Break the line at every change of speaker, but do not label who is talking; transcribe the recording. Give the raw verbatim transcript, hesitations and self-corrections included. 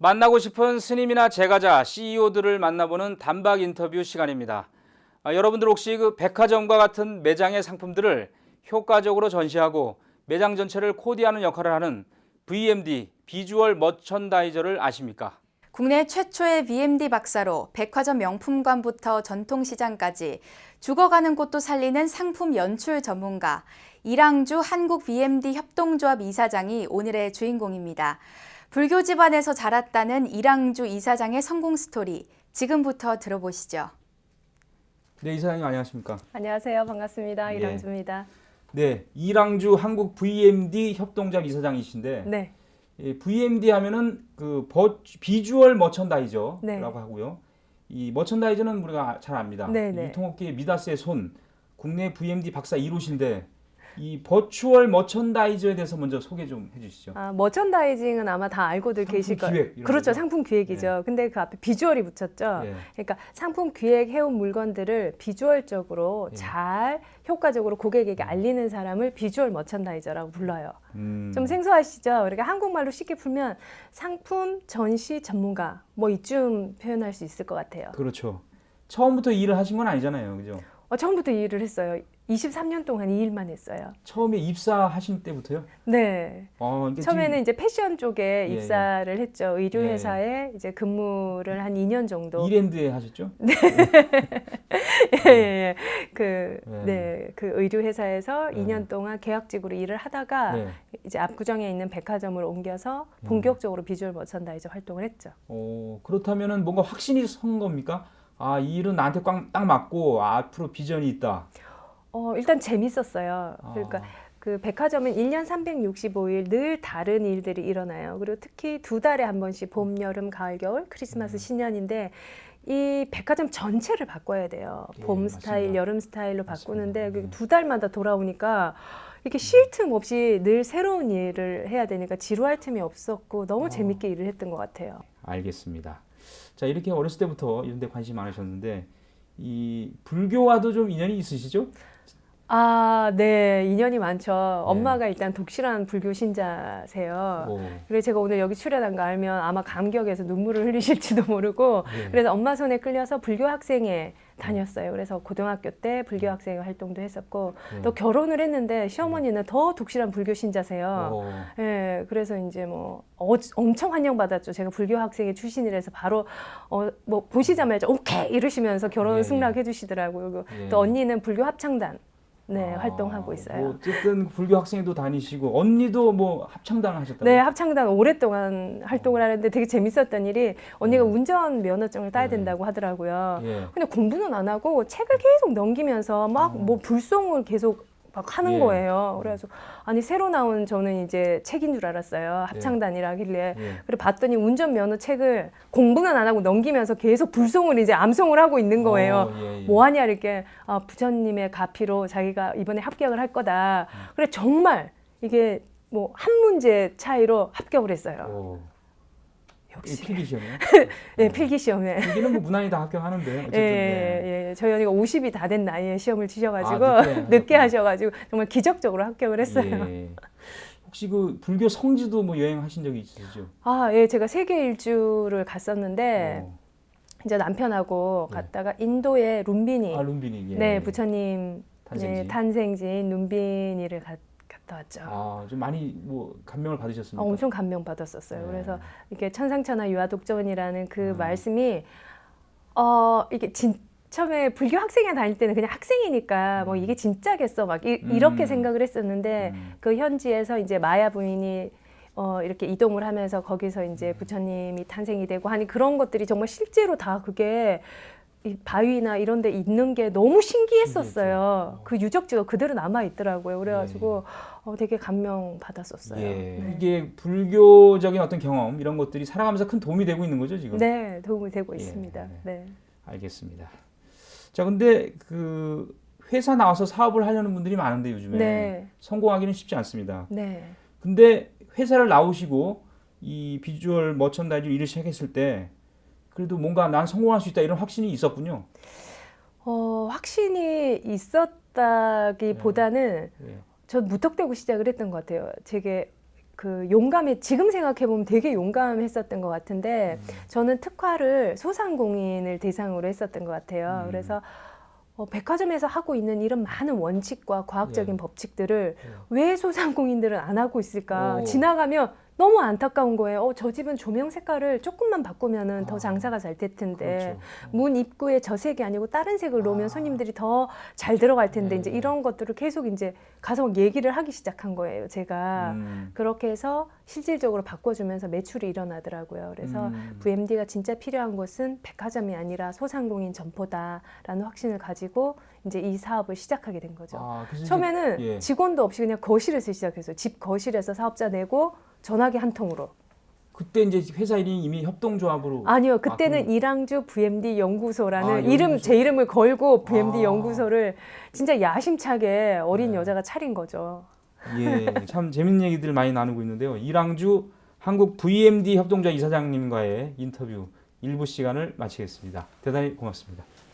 만나고 싶은 스님이나 제가자, 씨이오들을 만나보는 단박 인터뷰 시간입니다. 아, 여러분들 혹시 그 백화점과 같은 매장의 상품들을 효과적으로 전시하고 매장 전체를 코디하는 역할을 하는 브이엠디, 비주얼 머천다이저를 아십니까?
국내 최초의 브이엠디 박사로 백화점 명품관부터 전통시장까지 죽어가는 곳도 살리는 상품 연출 전문가 이랑주 한국 브이엠디 협동조합 이사장이 오늘의 주인공입니다. 불교 집안에서 자랐다는 이랑주 이사장의 성공 스토리 지금부터 들어보시죠.
네, 이사장님 안녕하십니까?
안녕하세요. 반갑습니다.
예.
이랑주입니다.
네, 이랑주 한국 브이엠디 협동조합 이사장이신데
네.
예, 브이엠디 하면은 그 버, 비주얼 머천다이저라고
네.
하고요. 이 머천다이저는 우리가 잘 압니다.
네, 네.
유통업계의 미다스의 손, 국내 브이엠디 박사 일 호신데 이 버추얼 머천다이저에 대해서 먼저 소개 좀 해주시죠.
아, 머천다이징은 아마 다 알고들
상품
계실
기획
거예요.
이런
그렇죠.
거죠?
상품 기획이죠. 근데 그 앞에 비주얼이 붙였죠.
예.
그러니까 상품 기획해온 물건들을 비주얼적으로
예.
잘 효과적으로 고객에게 알리는 사람을 비주얼 머천다이저라고 불러요.
음.
좀 생소하시죠? 그러니까 한국말로 쉽게 풀면 상품 전시 전문가 뭐 이쯤 표현할 수 있을 것 같아요.
그렇죠. 처음부터 이 일을 하신 건 아니잖아요, 그죠?
어, 처음부터 이 일을 했어요. 이십삼 년 동안 이 일만 했어요.
처음에 입사하신 때부터요?
네.
어, 이게
처음에는
지금
이제 패션 쪽에
예,
입사를 했죠. 의류
예.
회사에 이제 근무를 한 이 년 정도.
이랜드에 하셨죠?
예, 예. 그,
예.
네, 그 의류 회사에서
예.
이 년 동안 계약직으로 일을 하다가
네.
이제 압구정에 있는 백화점을 옮겨서
음.
본격적으로 비주얼 머천다이저 활동을 했죠.
어, 그렇다면은 뭔가 확신이 선 겁니까? 아, 이 일은 나한테 꽉, 딱 맞고 앞으로 비전이 있다.
어, 일단 재밌었어요. 그러니까
아,
그 백화점은 일 년 삼백육십오 일 늘 다른 일들이 일어나요. 그리고 특히 두 달에 한 번씩 봄, 여름, 가을, 겨울, 크리스마스,
음.
신년인데 이 백화점 전체를 바꿔야 돼요.
예,
봄
맞습니다.
스타일, 여름 스타일로
맞습니다.
바꾸는데
네.
두 달마다 돌아오니까 이렇게 쉴 틈 없이 늘 새로운 일을 해야 되니까 지루할 틈이 없었고 너무
어.
재밌게 일을 했던 것 같아요.
알겠습니다. 자, 이렇게 어렸을 때부터 이런 데 관심이 많으셨는데 이 불교와도 좀 인연이 있으시죠?
아, 네. 인연이 많죠. 엄마가 일단 독실한 불교 신자세요.
오.
그래서 제가 오늘 여기 출연한 거 알면 아마 감격해서 눈물을 흘리실지도 모르고
네.
그래서 엄마 손에 끌려서 불교 학생회 다녔어요. 그래서 고등학교 때 불교 학생회 활동도 했었고
네.
또 결혼을 했는데 시어머니는 더 독실한 불교 신자세요.
오.
예, 그래서 이제 뭐 어, 엄청 환영받았죠. 제가 불교 학생회 출신이라서 바로 어, 뭐 보시자마자 오케이 이러시면서 결혼
예,
승낙해 주시더라고요. 그리고
예.
또 언니는 불교 합창단 네,
아,
활동하고 있어요.
뭐 어쨌든 불교 학생도 다니시고 언니도 뭐 합창단을 하셨다고.
네, 합창단 오랫동안 활동을 하는데 되게 재밌었던 일이 언니가
네.
운전 면허증을 따야
네.
된다고 하더라고요.
예.
근데 공부는 안 하고 책을 계속 넘기면서 막 뭐 불송을 계속 막 하는
어. 예.
거예요. 그래서 아니 새로 나온 저는 이제 책인 줄 알았어요. 합창단이라길래.
예.
그래 봤더니 운전 면허 책을 공부는 안 하고 넘기면서 계속 불송을 이제 암송을 하고 있는 거예요.
어, 예, 예.
뭐 하냐 이렇게 아, 부처님의 가피로 자기가 이번에 합격을 할 거다.
음.
그래 정말 이게 뭐 한 문제 차이로 합격을 했어요.
오. 이
역시
필기 시험이요?
네, 필기 시험에.
필기는 뭐 무난히 다 합격하는데 어쨌든. 네.
예, 예, 저희 언니가 오십이 다 된 나이에 시험을 치셔가지고
아, 늦게
늦게
하셨구나.
하셔가지고 정말 기적적으로 합격을 했어요.
예. 혹시 그 불교 성지도 뭐 여행하신 적이 있으시죠?
아, 예, 제가 세계 일주를 갔었는데
어.
이제 남편하고
네.
갔다가 인도의 룸비니,
아, 룸비니. 예.
네, 부처님
탄생지.
네, 탄생지인 룸비니를 가, 갔다 왔죠.
아, 좀 많이 뭐 감명을
어,
받으셨습니까?
엄청 감명 받았었어요.
네.
그래서 이렇게 천상천하 유아독전이라는 그
음.
말씀이 어 이게 진 처음에 불교 학생회 다닐 때는 그냥 학생이니까 뭐 이게 진짜겠어 막 이,
음.
이렇게 생각을 했었는데
음.
그 현지에서 이제 마야 부인이 어 이렇게 이동을 하면서 거기서 이제
음.
부처님이 탄생이 되고 하니 그런 것들이 정말 실제로 다 그게 이 바위나 이런 데 있는 게 너무 신기했었어요.
신기했죠.
그 유적지가 그대로 남아 있더라고요. 그래가지고 어, 되게 감명 받았었어요.
예.
네.
이게 불교적인 어떤 경험 이런 것들이 살아가면서 큰 도움이 되고 있는 거죠, 지금?
네, 도움이 되고
예.
있습니다. 네.
알겠습니다. 자, 근데 그 회사 나와서 사업을 하려는 분들이 많은데 요즘에
네.
성공하기는 쉽지 않습니다.
네.
근데 회사를 나오시고 이 비주얼 머천다이즈 일을 시작했을 때 그래도 뭔가 난 성공할 수 있다 이런 확신이 있었군요.
어, 확신이 있었다기보다는
예.
전 무턱대고 시작을 했던 것 같아요. 제게 그 용감해 지금 생각해 보면 되게 용감했었던 것 같은데
음.
저는 특화를 소상공인을 대상으로 했었던 것 같아요.
음.
그래서 어, 백화점에서 하고 있는 이런 많은 원칙과 과학적인
예.
법칙들을
예.
왜 소상공인들은 안 하고 있을까?
오.
지나가면 너무 안타까운 거예요. 어, 저 집은 조명 색깔을 조금만 바꾸면은
아.
더 장사가 잘 될 텐데
그렇죠.
문 입구에 저 색이 아니고 다른 색을 놓으면
아.
손님들이 더 잘 들어갈 텐데
네.
이제 이런 것들을 계속 이제 가서 얘기를 하기 시작한 거예요. 제가
음.
그렇게 해서 실질적으로 바꿔주면서 매출이 일어나더라고요. 그래서
음.
브이엠디가 진짜 필요한 곳은 백화점이 아니라 소상공인 점포다라는 확신을 가지고 이제 이 사업을 시작하게 된 거죠.
아, 그래서 이제-
처음에는
예.
직원도 없이 그냥 거실에서 시작했어요. 집 거실에서 사업자 내고 전화기 한 통으로.
그때 이제 회사 이름이 이미 협동조합으로
아니요, 그때는
아, 그럼-
이랑주 브이엠디 연구소라는
아,
이름
연구소.
제 이름을 걸고 브이엠디
아.
연구소를 진짜 야심차게 어린
네.
여자가 차린 거죠.
예, 참 재밌는 얘기들 많이 나누고 있는데요. 이랑주 한국 브이엠디 협동조합 이사장님과의 인터뷰 일부 시간을 마치겠습니다. 대단히 고맙습니다.